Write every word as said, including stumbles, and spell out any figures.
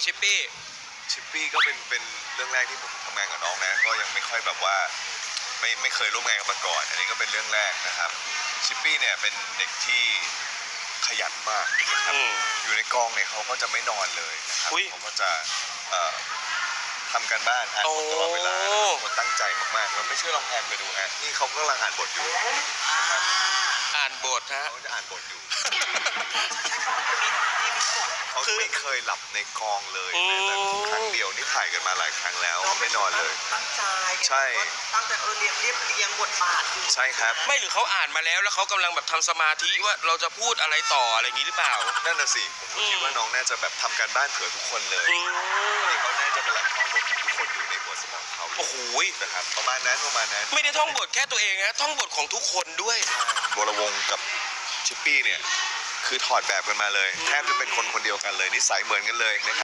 ชิปปี้ชิปปี้ก็เป็นเป็นเรื่องแรกที่ผมทำงานกับน้องนะก็ยังไม่ค่อยแบบว่าไม่ไม่เคยร่วมงานกันมาก่อนอันนี้ก็เป็นเรื่องแรกนะครับชิปปี้เนี่ยเป็นเด็กที่ขยันมากนะครับอยู่ในกองเนี่ยเขาก็จะไม่นอนเลยนะครับเขาก็จะเอ่อทำการบ้านอ่านบทตลอดเวลาคนตั้งใจมากๆแล้วไม่เชื่อลองแพนไปดูฮะนี่เขากำลังอ่านบทอยู่นะครับอ่านบทฮะเขาจะอ่านบทอยู่เขาไม่เคยหลับในกองเลยแม้แต่ครั้งเดียวนี่ถ่ายกันมาหลายครั้งแล้วไม่นอนเลยตั้งใจใช่ตั้งแต่เออเรียบเรียบเรียงบทบาทอยู่ใช่ครับไม่หรือเขาอ่านมาแล้วแล้วเขากำลังแบบทำสมาธิว่าเราจะพูดอะไรต่ออะไรอย่างนี้หรือเปล่านั่นน่ะสิผมคิดว่าน้องน่าจะแบบทำการบ้านเผื่อทุกคนเลยนี่เขาน่าจะเป็นหลักท่องบทของทุกคนอยู่ในหัวสมองเขาโอ้โหนะครับประมาณนั้นประมาณนั้นไม่ได้ท่องบทแค่ตัวเองนะท่องบทของทุกคนด้วยวรวงศ์กับชิปปี้เนี่ยคือถอดแบบกันมาเลยแทบจะเป็นคนคนเดียวกันเลยนิสัยเหมือนกันเลยนะครับ